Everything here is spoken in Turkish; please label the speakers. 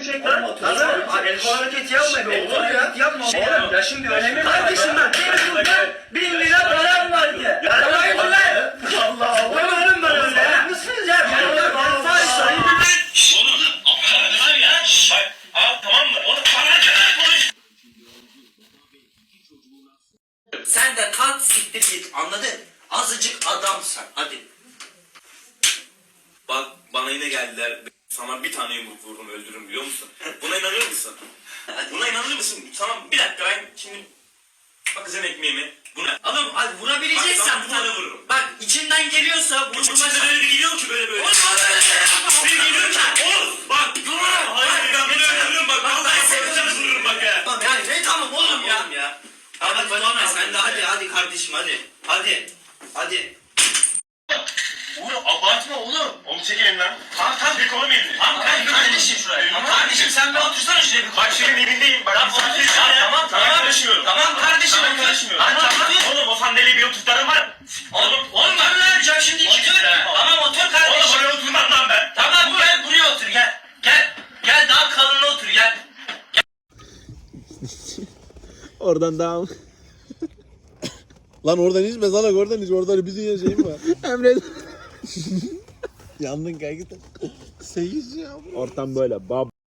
Speaker 1: çek lan. Lan el kol hareketi yapma. El kol hareketi yapma. Oğlum ya şimdi önemi var. Kardeşim ben benim burada 1000 lira param vardı. Parayı mı lan? Allah Allah. Umarım ben öyle. Mısınız ya? Ben faiz
Speaker 2: Oğlum var ya. Bak al tamam mı? Oğlum bana konuş.
Speaker 3: Sen de kalk siktir git, anladın? Azıcık adamsan, hadi.
Speaker 2: Bak bana yine geldiler. Sana bir tane yumruk vurdum öldürürüm biliyor musun? Buna inanır mısın? Buna inanır mısın? Tamam bir dakika ben şimdi bakacağım ekmeğimi. Buna
Speaker 3: Oğlum hadi vurabileceksen
Speaker 2: bir tane vururum.
Speaker 3: Bak içinden geliyorsa
Speaker 2: İçimde böyle bir geliyor ki böyle.
Speaker 3: Oğlum
Speaker 2: Bir geliyor ki. Oğlum bak. Hayır ben bunu öldürürüm bak. Vallahi seveceğim vururum bak ya.
Speaker 3: Tamam yani ne tamam oğlum ya.
Speaker 2: ya.
Speaker 3: Hadi Doğanay sen de hadi kardeşim hadi. Hadi.
Speaker 2: Oğlum abartma oğlum. Oğlum çek elinden. Tamam bir kolum elini.
Speaker 3: Tamam kardeşim şuraya. Tamam kardeşim sen bir otursana şuraya bir.
Speaker 2: Bak senin elindeyim. Bak
Speaker 3: Tamam
Speaker 2: karışmıyorum.
Speaker 3: Tamam kardeşim
Speaker 2: Tamam karışmıyorum.
Speaker 3: Tamam.
Speaker 2: Oğlum o sandalyeyi bir oturtarım var.
Speaker 3: Oğlum ben ne yapacağım şimdi iki dur. Tamam otur kardeşim.
Speaker 2: Oğlum oraya oturmam lan ben.
Speaker 3: Tamam gel buraya otur gel. Gel daha kalına otur gel.
Speaker 4: Oradan devam.
Speaker 5: Lan oradan içme salak oradan iç. Orada bir dünya şeyim var.
Speaker 4: Emre.
Speaker 5: Yandın kanka. 8 ya.
Speaker 4: Ortam böyle. Bab.